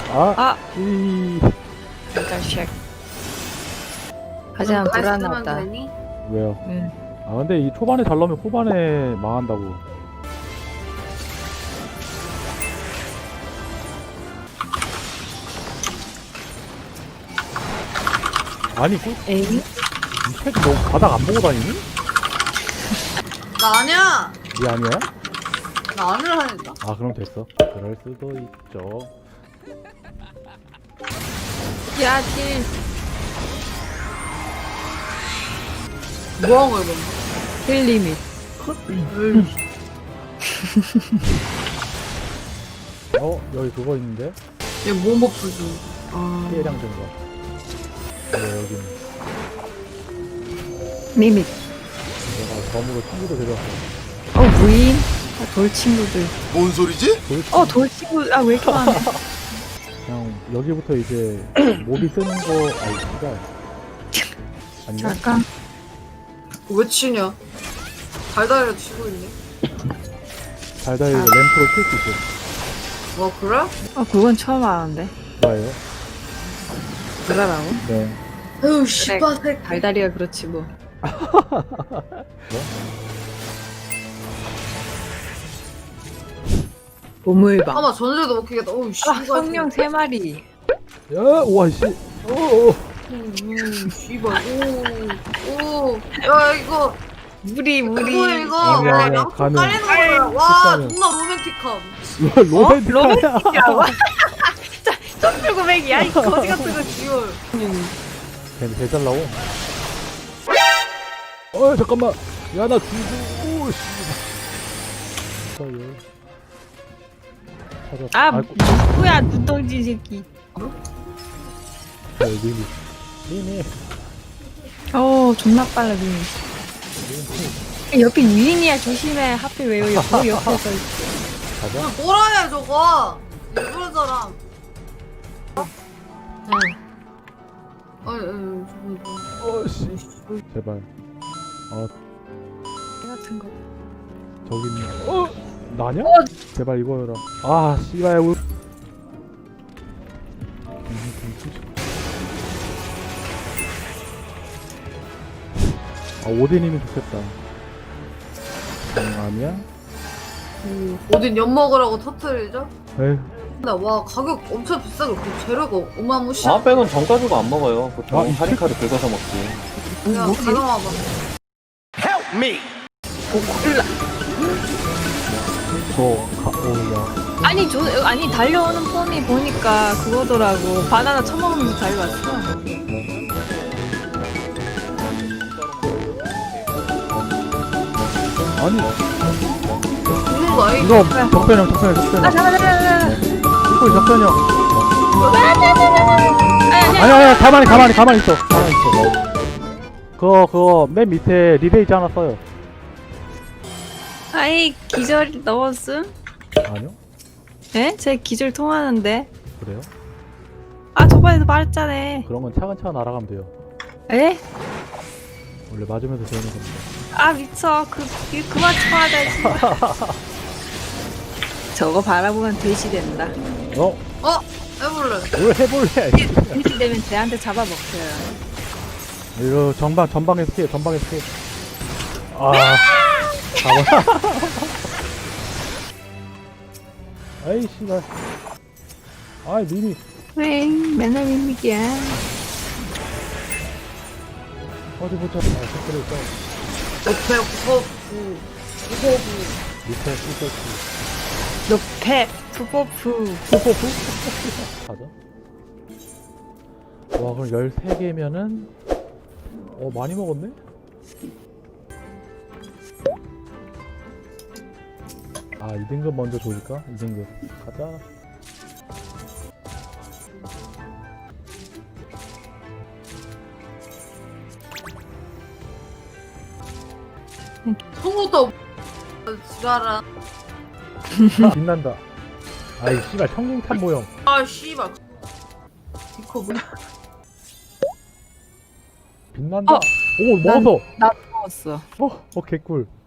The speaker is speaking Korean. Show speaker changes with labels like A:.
A: 아,
B: 이
A: 자식. 하지만 불안하다.
B: 왜요?
A: 응.
B: 아 근데 이 초반에 잘 넣으면 후반에 망한다고. 아니
A: 에이?
B: 이 새끼 너 바닥 안 보고 다니니?
C: 나 아니야.
B: 이 아니야?
C: 나 안을 하니까.
B: 아 그럼 됐어. 그럴 수도 있죠.
A: 야, 딜.
C: 뭐한 거야, 너?
A: 딜 리밋.
B: 여기 그거 있는데?
C: 얘뭐 버프지? 아.
B: 피해량 증가. 여기는
A: 리밋.
B: 내가 덤으로 친구도 데려왔어.
A: 부인. 아, 돌 친구들.
D: 뭔 소리지?
A: 돌 친구. 아, 왜 이렇게 많아?
B: 그냥 여기부터 이제 몹이 뜨는 거 아니 진짜 아닌가?
A: 잠깐.
C: 왜 치냐? 달달이라 치고 있네.
B: 달달이
A: 아.
B: 램프로 킬 수 있어.
C: 와, 그래?
A: 그건 처음 알았는데.
B: 뭐예요?
A: 그러라고?
B: 네.
C: 아유, 씨발, 새끼.
A: 달다리가 그렇지 뭐. 보물방.
C: 아마 전세도 먹히겠다. 어우, 씨발.
A: 성령 3마리.
B: 야, 우와 씨. 오.
C: 씨발. 오. 야, 이거.
A: 무리.
C: 뭐야, 이거.
B: 아니야,
C: 와,
B: 아니야.
C: 양쪽
B: 가능.
C: 깔리는 거야. 와,
B: 식사는.
C: 존나 로맨틱함.
B: 로맨틱하냐?
A: 로맨틱이라고? 썸풀고백이야 이 거지 같은 거.
C: 이걸.
B: 걔는 개잘 나오. 잠깐만. 야 나 죽어. 오 씨.
A: 아,
B: 아이고.
A: 누구야 눈덩지 새끼.
B: 리미.
A: 존나 빨라 눈이. 옆에 유인이야 조심해. 하필 왜 옆에서 있어.
B: 가자.
C: 뭐라해, 저거. 일부러 사람. 아니, 저거.
B: 씨. 제발.
A: 같은 거.
B: 저기 있네. 나냐? 제발 이거여라. 아 씨발 우. 오딘이면 좋겠다. 아니야?
C: 어딘 엿 먹으라고 터트리죠?
B: 에휴.
C: 근데 와, 가격 엄청 비싸고 그 재료가 어마무시.
E: 방학배는 정 가지고 안 먹어요. 보통
B: 이
E: 할인카드 긁어서 먹지.
C: 야, 가져와봐.
A: 보콜라.
B: 오야.
A: 아니 달려오는 폼이 보니까 그거더라고. 바나나 처먹으면서 달려왔어.
B: 아니
C: 죽는 거 아니?
B: 이거 적변형.
A: 잠깐만.
B: 이거 적변형.
A: 아니.
B: 아니야 가만히 있어. 그거 맨 밑에 리베이지 하나 써요.
A: 아이 기절 넣었음?
B: 아니요?
A: 에? 제 기절 통하는데.
B: 그래요?
A: 저번에도 말했잖아.
B: 그런 건 차근차근 알아가면 돼요.
A: 에?
B: 원래 맞으면서 되는 겁니다.
A: 미쳐. 그만 쳐하자. 저거 바라보면 돼지 된다.
C: 해볼래.
B: 뭘 해볼래?
A: 돼지 되면 쟤한테 잡아먹혀요.
B: 이거 전방에서 피해. 가봐. 아이 씨발. 아이 미미.
A: 왜 맨날 밋밋이야.
B: 어디 보자. 댓글에 있어.
C: 옆에
B: 밑에 꿀꺽.
A: 노페 푸포푸.
B: 가자. 와 그럼 13개면은 많이 먹었네? 아 2등급 먼저 조질까? 2등급 가자.
C: 성우도 지랄아.
B: 빛난다. 아이 씨발 청룡탄 모형.
C: 아, 씨발. 디코 뭐?
B: 빛난다. 오 먹었어.
A: 나 먹었어.
B: 개꿀.